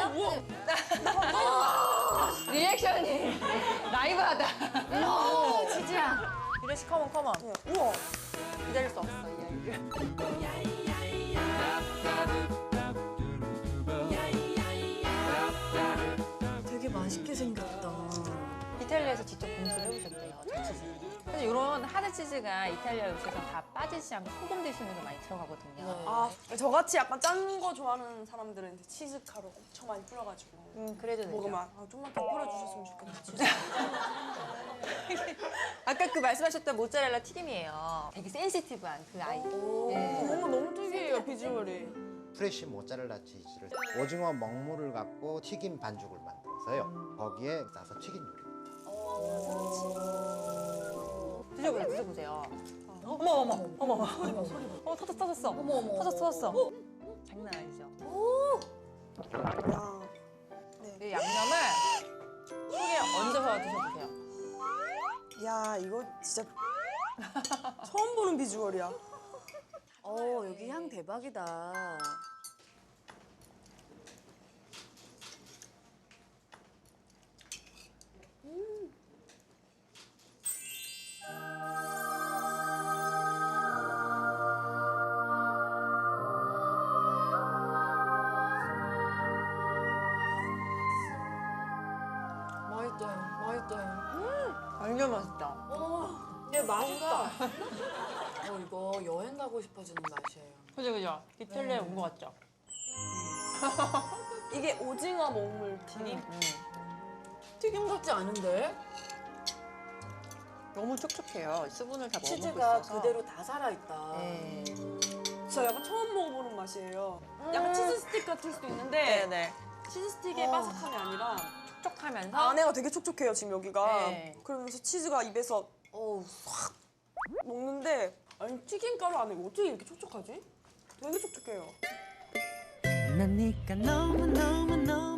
리액션이 라이브하다. 오, 치즈야. 유래 씨 컴온 컴온. 우와. 기다릴 수 없어 이 아이를. 되게 맛있게 생겼다. 이탈리아에서 직접 공수를 해보셨대요, 참치즈. 사실 이런 하드치즈가 이탈리아 요새서 다 빠지지 않고 소금 대신으로 많이 들어가거든요. 아, 저같이 약간 짠 거 좋아하는 사람들은 이제 치즈 가루 엄청 많이 뿌려가지고 그래도 되죠. 먹으면 좀만 더 뿌려주셨으면 좋겠다. 아까 그 말씀하셨던 모짜렐라 튀김이에요. 되게 센시티브한 그 아이. 네. 너무 특이해요, 비주얼이. 프레쉬 모짜렐라 치즈를 오징어 먹물을 갖고 튀김 반죽을 만들어서요. 거기에 싸서 튀긴 요리. 드셔보세요, 드셔보세요. 어머 어머 어머 어머. 터졌어. 터졌어. 장난 아니죠? 야, 이 양념을 속에 얹어서 드셔보세요. 야, 이거 진짜 처음 보는 비주얼이야. 여기 향 대박이다. 맛있다. 맛있다. 완전 맛있다. 네, 맛있다. 이거 여행 가고 싶어지는 맛이에요. 그죠 그죠? 이탈리아에 온 것 같죠? 이게 오징어 먹물 튀김? 튀김 같지 않은데? 너무 촉촉해요. 수분을 다 머금고 치즈가 있어서. 그대로 다 살아있다. 네. 진짜 약간 처음 먹어보는 맛이에요. 약간 치즈 스틱 같을 수도 있는데 네네. 치즈 스틱의 바삭함이 아니라 촉촉하면서 안에가 되게 촉촉해요, 지금 여기가. 네. 그러면서 치즈가 입에서 확 먹는데 아니 튀김가루 안에 어떻게 이렇게 촉촉하지? 되게 촉촉해요. 난 네가 너무너무너무